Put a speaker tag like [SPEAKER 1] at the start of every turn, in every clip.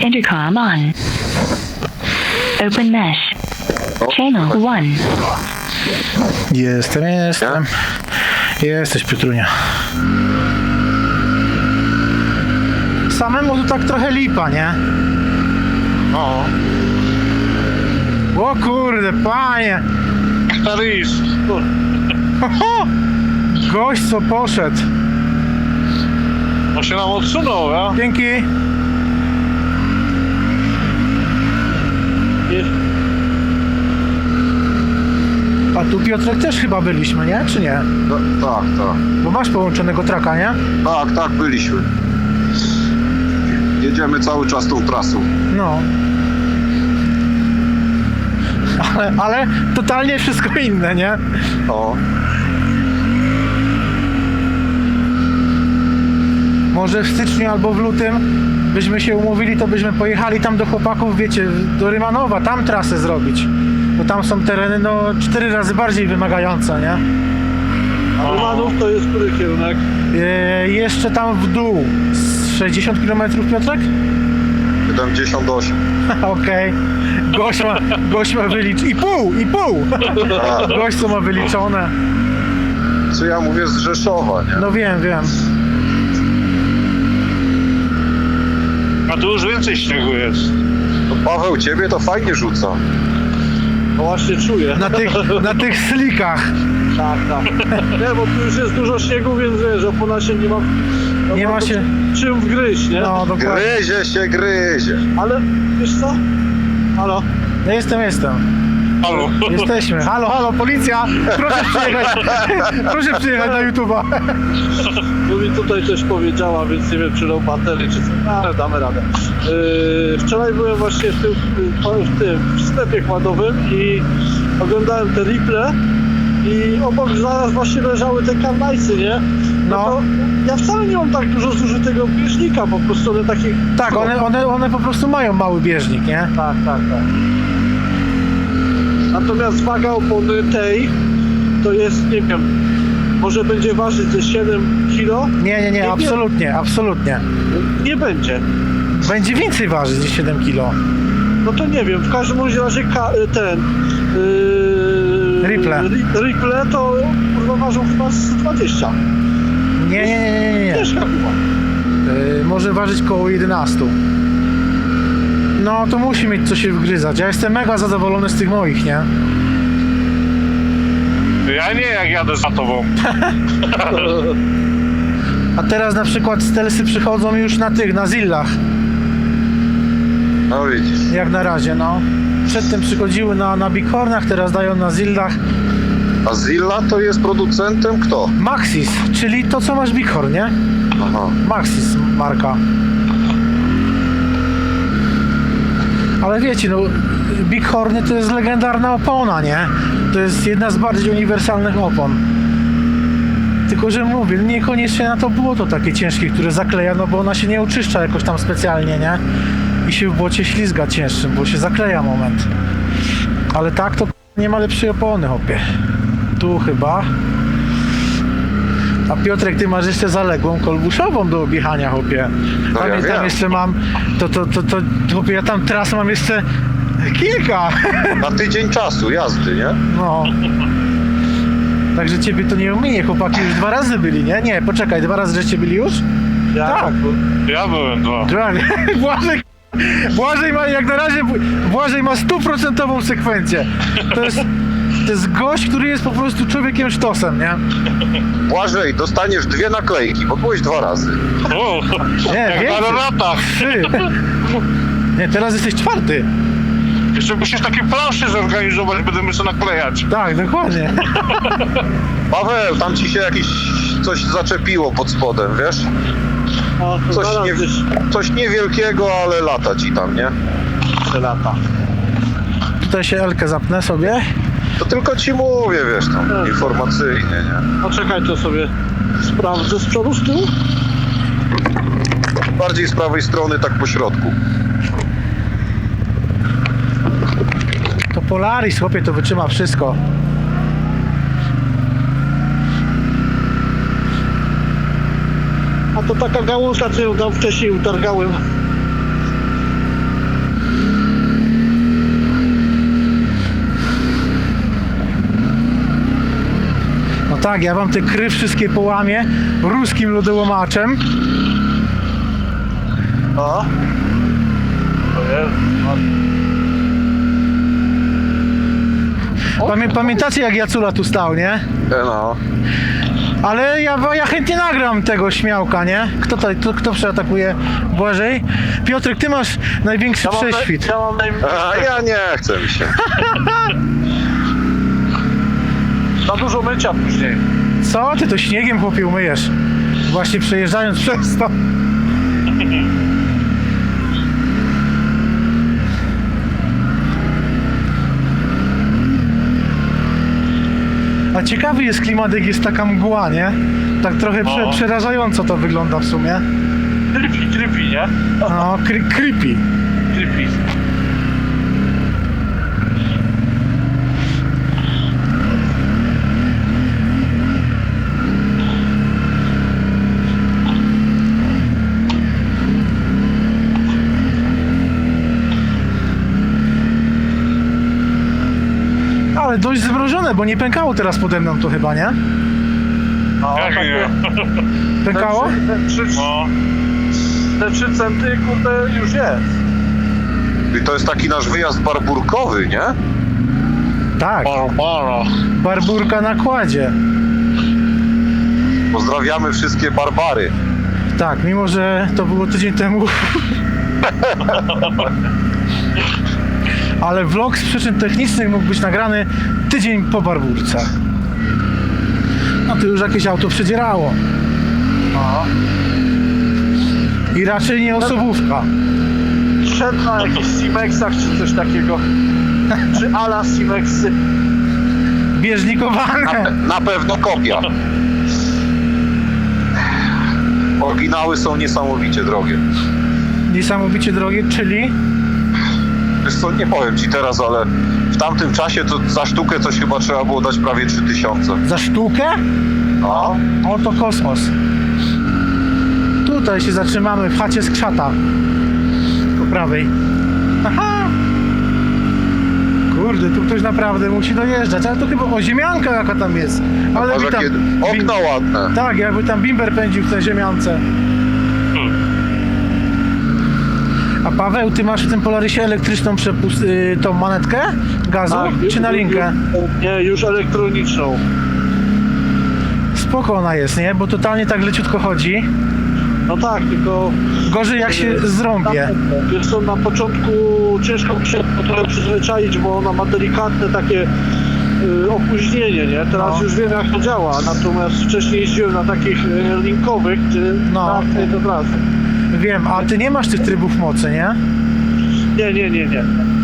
[SPEAKER 1] Intercom on. Open mesh. Channel 1.
[SPEAKER 2] Jestem. Jesteś, Piotrunia. Samemu to tak trochę lipa, nie?
[SPEAKER 3] No.
[SPEAKER 2] O kurde, panie!
[SPEAKER 3] Taris.
[SPEAKER 2] Ho! Gość co poszedł.
[SPEAKER 3] On się nam odsunął, ja?
[SPEAKER 2] Dzięki. A tu, Piotrek, też chyba byliśmy, nie? Czy nie?
[SPEAKER 4] Tak.
[SPEAKER 2] Bo masz połączonego traka, nie?
[SPEAKER 4] Tak, byliśmy. Jedziemy cały czas tą trasą.
[SPEAKER 2] No. Ale totalnie wszystko inne, nie?
[SPEAKER 4] O.
[SPEAKER 2] Może w styczniu albo w lutym byśmy się umówili, to byśmy pojechali tam do chłopaków, wiecie, do Rymanowa, tam trasę zrobić. Bo tam są tereny, no, 4 razy bardziej wymagające, nie?
[SPEAKER 5] A Rymanów to jest który kierunek?
[SPEAKER 2] Jeszcze tam w dół. Z 60 km, Piotrek?
[SPEAKER 4] 78.
[SPEAKER 2] Okej. Gość ma wyliczone. I pół! Gość co ma wyliczone.
[SPEAKER 4] Co ja mówię z Rzeszowa, nie?
[SPEAKER 2] No wiem.
[SPEAKER 3] A tu już więcej śniegu jest.
[SPEAKER 4] No Paweł, ciebie to fajnie rzuca.
[SPEAKER 5] No właśnie czuję.
[SPEAKER 2] Na tych slikach.
[SPEAKER 5] Tak. Nie, bo tu już jest dużo śniegu, więc wiesz, opona się nie ma...
[SPEAKER 2] Nie ma się...
[SPEAKER 5] czym wgryźć, nie?
[SPEAKER 2] No, dokładnie.
[SPEAKER 4] Gryzie.
[SPEAKER 5] Ale, wiesz co? Halo?
[SPEAKER 2] No jestem.
[SPEAKER 3] Halo.
[SPEAKER 2] Jesteśmy. Halo, policja! Proszę przyjechać na YouTube'a.
[SPEAKER 5] Bo mi tutaj coś powiedziała, więc nie wiem, czy low baterii, czy co, ale damy radę. Wczoraj byłem właśnie w tym sklepie kładowym i oglądałem te Ripple i obok zaraz właśnie leżały te karnajcy, nie?
[SPEAKER 2] No.
[SPEAKER 5] To ja wcale nie mam tak dużo zużytego bieżnika, po prostu one takich...
[SPEAKER 2] Tak, one po prostu mają mały bieżnik, nie?
[SPEAKER 5] Tak. Natomiast waga opony tej to jest, nie wiem, może będzie ważyć ze 7 kg?
[SPEAKER 2] Nie, absolutnie.
[SPEAKER 5] Nie będzie.
[SPEAKER 2] Będzie więcej ważyć niż 7 kg.
[SPEAKER 5] No to nie wiem, w każdym bądź razie ten... Ripple to kurwa ważą chyba z 20.
[SPEAKER 2] Nie.
[SPEAKER 5] Ciężka chyba.
[SPEAKER 2] Może ważyć koło 11. No to musi mieć co się wgryzać. Ja jestem mega zadowolony z tych moich, nie?
[SPEAKER 3] Ja nie, jak jadę za tobą.
[SPEAKER 2] A teraz na przykład stelsy przychodzą już na Zillach.
[SPEAKER 4] No widzisz.
[SPEAKER 2] Jak na razie, no. Przedtem przychodziły na Bighornach, teraz dają na Zillach.
[SPEAKER 4] A Zilla to jest producentem kto?
[SPEAKER 2] Maxis, czyli to co masz Bighorn, nie?
[SPEAKER 4] Aha.
[SPEAKER 2] Maxis marka. Ale wiecie, no Bighorny to jest legendarna opona, nie? To jest jedna z bardziej uniwersalnych opon. Tylko, że mówię, niekoniecznie na to błoto takie ciężkie, które zakleja, no bo ona się nie oczyszcza jakoś tam specjalnie, nie? I się w błocie ślizga cięższym, bo się zakleja moment. Ale tak to nie ma lepszej opony, hopie. Tu chyba. A Piotrek, ty masz jeszcze zaległą kolbuszową do objechania, hopie.
[SPEAKER 4] No ja
[SPEAKER 2] Tam
[SPEAKER 4] wiem.
[SPEAKER 2] jeszcze mam, hopie, ja tam tras mam jeszcze kilka.
[SPEAKER 4] Na tydzień czasu jazdy, nie?
[SPEAKER 2] No. Także ciebie to nie ominie, chłopaki już 2 razy byli, nie? Nie, poczekaj, 2 razy żeście byli już? Tak.
[SPEAKER 3] Ja byłem 2.
[SPEAKER 2] Błażej ma, jak na razie, Błażej ma 100% sekwencję. To jest gość, który jest po prostu człowiekiem sztosem, nie?
[SPEAKER 4] Błażej, dostaniesz 2 naklejki, bo byłeś 2 razy.
[SPEAKER 3] O,
[SPEAKER 2] Nie,
[SPEAKER 3] jak
[SPEAKER 2] więcej.
[SPEAKER 3] na latach.
[SPEAKER 2] 3. Nie, teraz jesteś 4.
[SPEAKER 3] Jeszcze musisz takie plansze zorganizować, będziemy sobie naklejać.
[SPEAKER 2] Tak, dokładnie.
[SPEAKER 4] Paweł, tam ci się coś zaczepiło pod spodem, wiesz?
[SPEAKER 5] A,
[SPEAKER 4] Coś niewielkiego, ale lata ci tam, nie?
[SPEAKER 5] lata.
[SPEAKER 2] Tutaj się Elkę zapnę sobie.
[SPEAKER 4] To tylko ci mówię, wiesz, tam informacyjnie, nie?
[SPEAKER 5] No czekaj, to sobie sprawdzę z przodu, z tyłu.
[SPEAKER 4] Bardziej z prawej strony, tak po środku.
[SPEAKER 2] To Polaris, chłopie, to wytrzyma wszystko.
[SPEAKER 5] A to taka gałązka, co ją tam wcześniej utargałem.
[SPEAKER 2] Tak, ja wam te kry wszystkie połamię ruskim lodołomaczem.
[SPEAKER 5] A? To jest...
[SPEAKER 2] Pamiętacie jak Jacula tu stał, nie?
[SPEAKER 4] No.
[SPEAKER 2] Ale ja chętnie nagram tego śmiałka, nie? Kto przeatakuje Błażej? Piotrek, ty masz największy prześwit.
[SPEAKER 5] Ja mam
[SPEAKER 4] A ja nie chcę mi się.
[SPEAKER 5] za dużo mycia później.
[SPEAKER 2] Co? Ty to śniegiem, chłopie, umyjesz. Właśnie przejeżdżając przez to. A ciekawy jest klimat, jak jest taka mgła, nie? Tak trochę przerażająco to wygląda w sumie.
[SPEAKER 5] Creepy, nie?
[SPEAKER 2] No, creepy.
[SPEAKER 5] Creepy.
[SPEAKER 2] Ale dość zmrożone, bo nie pękało teraz pode mną to chyba, nie?
[SPEAKER 5] No,
[SPEAKER 3] Jak
[SPEAKER 5] takie...
[SPEAKER 3] nie?
[SPEAKER 2] Pękało?
[SPEAKER 5] Te 3 centy, kurde, już jest.
[SPEAKER 4] I to jest taki nasz wyjazd barburkowy, nie?
[SPEAKER 2] Tak,
[SPEAKER 3] Barbara.
[SPEAKER 2] barburka na kładzie.
[SPEAKER 4] Pozdrawiamy wszystkie barbary.
[SPEAKER 2] Tak, mimo że to było tydzień temu. Ale vlog z przyczyn technicznych mógł być nagrany tydzień po barburce. No to już jakieś auto przedzierało.
[SPEAKER 5] No.
[SPEAKER 2] I raczej nie osobówka.
[SPEAKER 5] Szedł na jakichś Simexach czy coś takiego. Czy ala Simexy.
[SPEAKER 2] Bieżnikowane.
[SPEAKER 4] Na pewno kopia. Oryginały są niesamowicie drogie.
[SPEAKER 2] Niesamowicie drogie, czyli
[SPEAKER 4] Wiesz co, nie powiem ci teraz, ale w tamtym czasie to za sztukę coś chyba trzeba było dać prawie 3000.
[SPEAKER 2] za sztukę?
[SPEAKER 4] No.
[SPEAKER 2] Oto kosmos. Tutaj się zatrzymamy w chacie z krzata. Po prawej. Aha! Kurde, tu ktoś naprawdę musi dojeżdżać, ale to chyba ziemianka jaka tam jest. Ale
[SPEAKER 4] Masz
[SPEAKER 2] by tam...
[SPEAKER 4] jakie okna ładne.
[SPEAKER 2] Tak, jakby tam bimber pędził w tej ziemiance. A Paweł, ty masz w tym Polarysie elektryczną tą manetkę gazu, czy na linkę?
[SPEAKER 5] Nie, już elektroniczną.
[SPEAKER 2] Spoko ona jest, nie? Bo totalnie tak leciutko chodzi.
[SPEAKER 5] No tak, tylko...
[SPEAKER 2] Gorzej jak się zrąbie.
[SPEAKER 5] Wiesz co, na początku ciężko mi się trochę przyzwyczaić, bo ona ma delikatne takie opóźnienie, nie? Teraz
[SPEAKER 2] No.
[SPEAKER 5] już wiem jak to działa, natomiast wcześniej jeździłem na takich linkowych, gdzie
[SPEAKER 2] No.
[SPEAKER 5] od razu.
[SPEAKER 2] Wiem, a ty nie masz tych trybów mocy, nie?
[SPEAKER 5] Nie.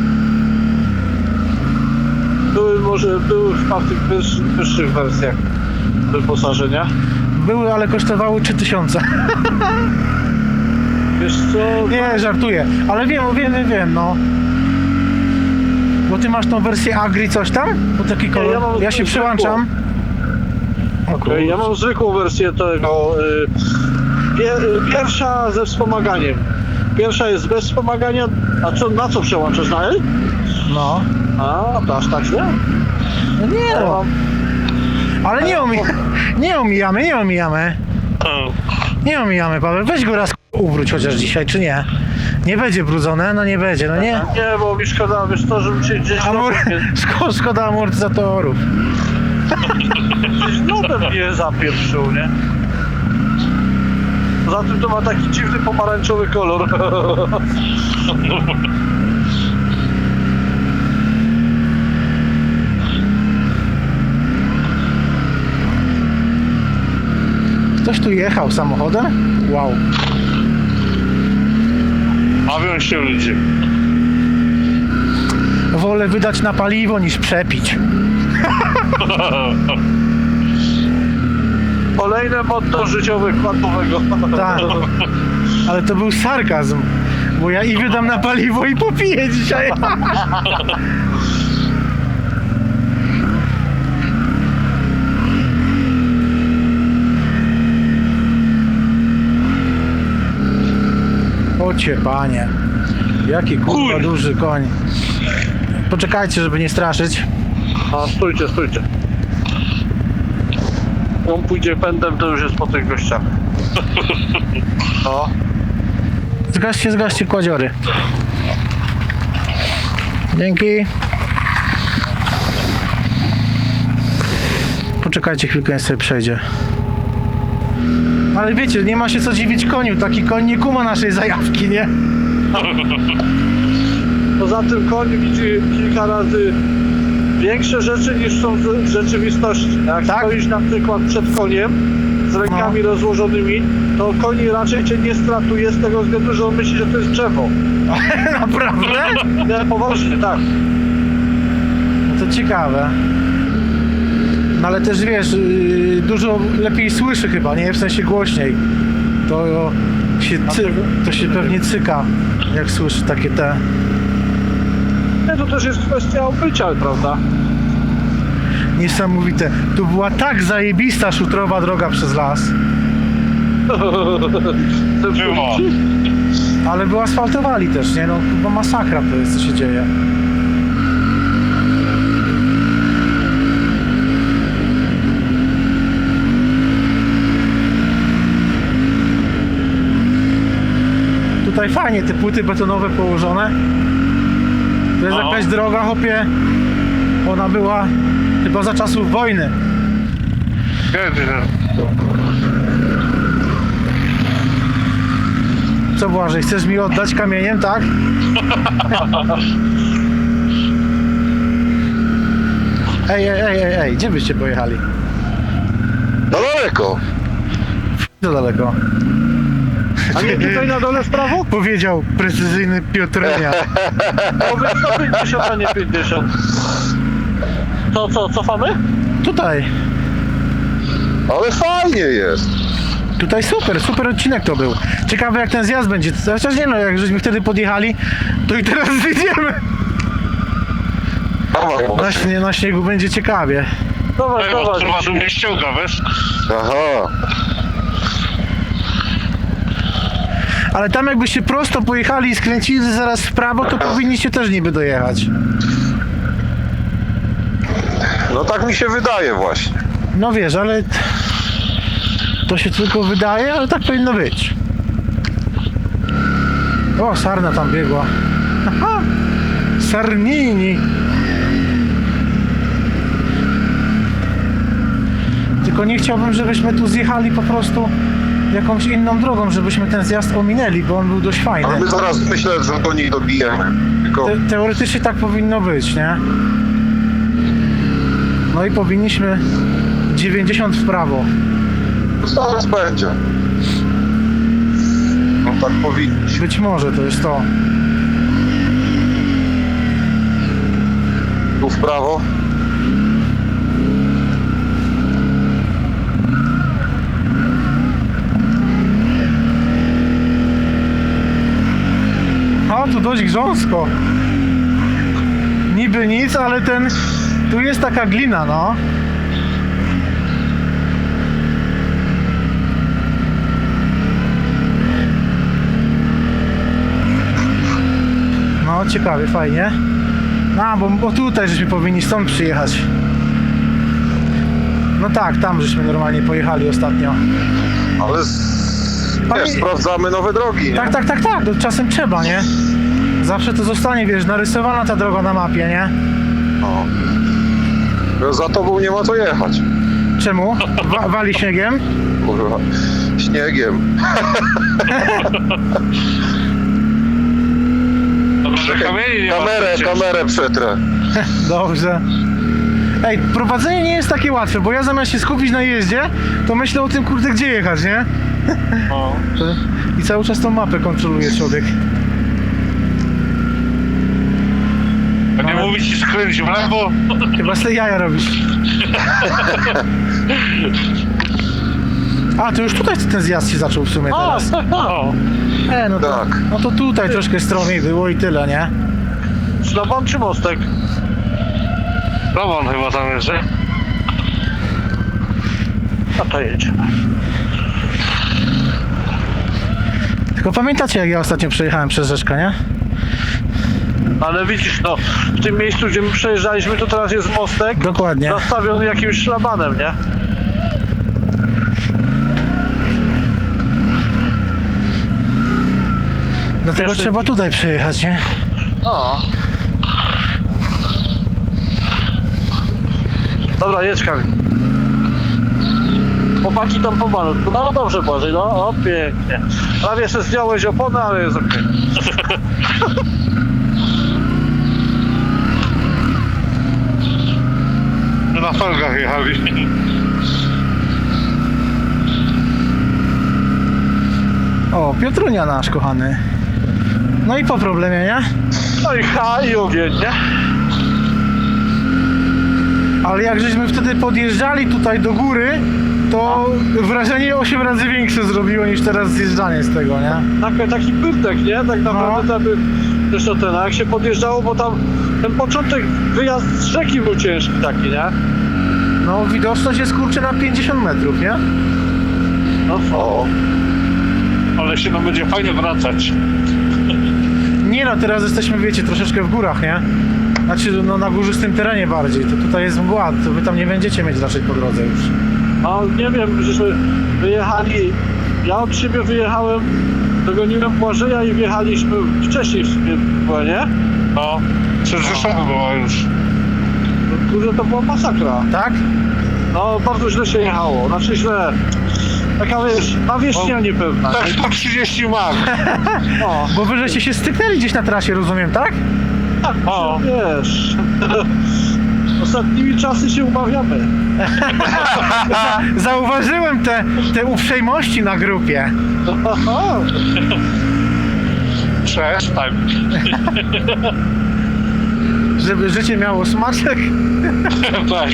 [SPEAKER 5] Były chyba w tych wyższych wersjach wyposażenia.
[SPEAKER 2] Były, ale kosztowały 3000.
[SPEAKER 5] Wiesz co?
[SPEAKER 2] Nie, żartuję. Ale wiem, no. Bo ty masz tą wersję Agri coś tam? Bo taki kolor.
[SPEAKER 5] ja mam
[SPEAKER 2] Ja się
[SPEAKER 5] zwykłą.
[SPEAKER 2] przyłączam. O
[SPEAKER 5] Okej, ja mam zwykłą wersję tego. Pierwsza ze wspomaganiem. Pierwsza jest bez wspomagania. A co, na co przełączasz? Na L?
[SPEAKER 2] No.
[SPEAKER 5] A, to aż tak źle?
[SPEAKER 2] No nie
[SPEAKER 5] Ja
[SPEAKER 2] no.
[SPEAKER 5] mam,
[SPEAKER 2] Ale nie omijamy. Nie omijamy, Paweł. Weź go raz uwróć chociaż dzisiaj, czy nie? Nie będzie brudzone? No nie będzie, no nie?
[SPEAKER 5] nie, bo mi szkoda, wiesz to, żebym się gdzieś
[SPEAKER 2] Szkoda amortyzatorów.
[SPEAKER 5] gdzieś lodem nie zapieprzył, nie? Poza tym to ma taki dziwny pomarańczowy kolor.
[SPEAKER 2] Ktoś tu jechał samochodem? Wow.
[SPEAKER 3] Bawią się ludzie.
[SPEAKER 2] Wolę wydać na paliwo niż przepić.
[SPEAKER 5] Kolejne motto życiowe kwadowego.
[SPEAKER 2] Tak. Ale to był sarkazm. Bo ja i wydam na paliwo i popiję dzisiaj. Ocie panie. Jaki kurwa duży koń. Poczekajcie, żeby nie straszyć.
[SPEAKER 5] A, stójcie. on pójdzie pędem, to już jest po tych gościach. No.
[SPEAKER 2] Zgaście kładziory. Dzięki. Poczekajcie chwilkę, niech sobie przejdzie. Ale wiecie, nie ma się co dziwić koniu. Taki koń nie kuma naszej zajawki, nie?
[SPEAKER 5] Poza tym koń widzi kilka razy większe rzeczy niż są w rzeczywistości. Jak
[SPEAKER 2] Tak?
[SPEAKER 5] stoisz na przykład przed koniem z rękami rozłożonymi, to koń raczej cię nie stratuje z tego względu, że on myśli, że to jest drzewo.
[SPEAKER 2] Naprawdę?
[SPEAKER 5] Nie, poważnie, tak.
[SPEAKER 2] No to ciekawe. No ale też wiesz, dużo lepiej słyszy chyba, nie? W sensie głośniej. To się pewnie cyka, jak słyszy takie te...
[SPEAKER 5] Nie, to też jest kwestia obycia, prawda?
[SPEAKER 2] Niesamowite. Tu była tak zajebista szutrowa droga przez las.
[SPEAKER 3] Było.
[SPEAKER 2] Ale wyasfaltowali też, nie? No chyba masakra to jest, co się dzieje. Tutaj fajnie te płyty betonowe położone. To jest
[SPEAKER 3] No.
[SPEAKER 2] jakaś droga, hopie. Ona była chyba za czasów wojny.
[SPEAKER 3] Kiedy?
[SPEAKER 2] Co Błażej, chcesz mi oddać kamieniem, tak? Ej, gdzie byście pojechali?
[SPEAKER 4] No daleko.
[SPEAKER 2] Za daleko.
[SPEAKER 5] A nie tutaj na dole w prawo?
[SPEAKER 2] Powiedział precyzyjny Piotrenia.
[SPEAKER 5] Powiedz 150, a nie 50. Co, cofamy?
[SPEAKER 2] Tutaj.
[SPEAKER 4] Ale fajnie jest.
[SPEAKER 2] Tutaj super odcinek to był. Ciekawe jak ten zjazd będzie. Chociaż nie no, jak żeśmy wtedy podjechali, to i teraz wyjdziemy. Na śniegu będzie ciekawie.
[SPEAKER 5] Dawaj,
[SPEAKER 3] Tego
[SPEAKER 5] dawaj.
[SPEAKER 3] trwa tu mnie ściąga, wiesz?
[SPEAKER 4] Aha.
[SPEAKER 2] Ale tam jakbyście prosto pojechali i skręcili zaraz w prawo, to powinniście też niby dojechać.
[SPEAKER 4] No tak mi się wydaje właśnie.
[SPEAKER 2] No wiesz, ale to się tylko wydaje, ale tak powinno być. O, sarna tam biegła. Aha! Sarnini! Tylko nie chciałbym, żebyśmy tu zjechali po prostu jakąś inną drogą, żebyśmy ten zjazd ominęli, bo on był dość fajny.
[SPEAKER 4] Ale my zaraz myślę, że do nich dobijemy. Tylko
[SPEAKER 2] Teoretycznie tak powinno być, nie? No i powinniśmy 90 w prawo.
[SPEAKER 4] zaraz będzie. No tak powinniśmy.
[SPEAKER 2] Być może to jest to.
[SPEAKER 4] Tu w prawo.
[SPEAKER 2] A, tu dość grząsko. Niby nic, ale tu jest taka glina, no. No, ciekawie, fajnie. A, bo tutaj żeśmy powinni stąd przyjechać. No tak, tam żeśmy normalnie pojechali ostatnio.
[SPEAKER 4] Ale
[SPEAKER 2] Panie-
[SPEAKER 4] wiesz, sprawdzamy nowe drogi, nie?
[SPEAKER 2] Tak, to czasem trzeba, nie? Zawsze to zostanie, wiesz, narysowana ta droga na mapie, nie?
[SPEAKER 4] No. Za tobą nie ma co jechać.
[SPEAKER 2] Czemu? Wali śniegiem?
[SPEAKER 4] Kurwa. Śniegiem.
[SPEAKER 3] Dobrze, kamieni nie ma.
[SPEAKER 4] Kamerę przetrę.
[SPEAKER 2] Dobrze. Ej, prowadzenie nie jest takie łatwe, bo ja zamiast się skupić na jeździe, to myślę o tym, kurde, gdzie jechać, nie?
[SPEAKER 3] No.
[SPEAKER 2] I cały czas tą mapę kontroluje człowiek.
[SPEAKER 3] A nie mówi ci skręć w lewo?
[SPEAKER 2] Chyba z tej jaja robisz. A, to już tutaj ten zjazd się zaczął w sumie teraz.
[SPEAKER 3] No.
[SPEAKER 2] No to,
[SPEAKER 4] Tak.
[SPEAKER 2] no to tutaj troszkę stromiej było i tyle, nie?
[SPEAKER 5] Szlaban czy mostek?
[SPEAKER 3] Roman chyba tam jest, nie?
[SPEAKER 5] A to jedziemy.
[SPEAKER 2] Tylko pamiętacie, jak ja ostatnio przejechałem przez rzeczkę, nie?
[SPEAKER 5] Ale widzisz, no, w tym miejscu, gdzie my przejeżdżaliśmy, to teraz jest mostek
[SPEAKER 2] Dokładnie.
[SPEAKER 5] zastawiony jakimś szlabanem, nie?
[SPEAKER 2] Dlatego
[SPEAKER 5] Jeszcze-
[SPEAKER 2] trzeba tutaj przyjechać, nie?
[SPEAKER 5] No. Dobra, jedź Kamil. Chłopaki tam pomalutku. No dobrze Błażej, no o, pięknie. Prawie jeszcze zdjąłeś oponę, ale jest okej.
[SPEAKER 3] Na felgach jechali.
[SPEAKER 2] O, Piotrunia nasz kochany. No i po problemie, nie?
[SPEAKER 5] No i ogień, nie?
[SPEAKER 2] Ale jak żeśmy wtedy podjeżdżali tutaj do góry, to wrażenie 8 razy większe zrobiło niż teraz zjeżdżanie z tego, nie?
[SPEAKER 5] Taki pyrtek, nie? Tak naprawdę
[SPEAKER 2] No.
[SPEAKER 5] to by... Zresztą ten, a jak się podjeżdżało, bo tam ten początek, wyjazd z rzeki był ciężki taki, nie?
[SPEAKER 2] No widoczność jest kurczę na 50 metrów, nie?
[SPEAKER 5] No o.
[SPEAKER 3] Ale się nam będzie fajnie wracać.
[SPEAKER 2] Nie no, teraz jesteśmy, wiecie, troszeczkę w górach, nie? Znaczy, no na górzystym terenie bardziej, to tutaj jest mgła, to wy tam nie będziecie mieć raczej po drodze już.
[SPEAKER 5] No nie wiem, żeśmy wyjechali, ja od siebie wyjechałem, dogoniłem Błażeja i wjechaliśmy wcześniej w sumie, była, nie?
[SPEAKER 3] No, przed Rzeszowem była już.
[SPEAKER 5] No, kurde, to była masakra.
[SPEAKER 2] Tak?
[SPEAKER 5] No bardzo źle się jechało, znaczy źle. Taka wiesz, nawierzchnia niepewna.
[SPEAKER 3] Tak 130 mag.
[SPEAKER 5] No,
[SPEAKER 2] Bo wy żeście się styknęli gdzieś na trasie, rozumiem, tak?
[SPEAKER 5] tak,
[SPEAKER 3] O.
[SPEAKER 5] wiesz. Ostatnimi czasy się umawiamy.
[SPEAKER 2] Zauważyłem te uprzejmości na grupie.
[SPEAKER 3] Przestań.
[SPEAKER 2] Żeby życie miało smaczek.
[SPEAKER 3] Tak.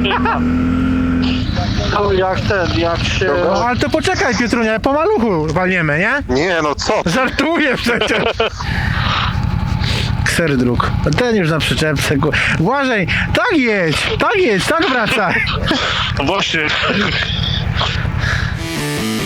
[SPEAKER 5] No, jak się...
[SPEAKER 2] No, ale to poczekaj, Piotrunia, po maluchu walniemy, nie?
[SPEAKER 4] Nie, no co?
[SPEAKER 2] Żartuję przecież. Kser dróg. Ten już na przyczepce. Błażej, tak jedź, tak wracaj.
[SPEAKER 3] No właśnie.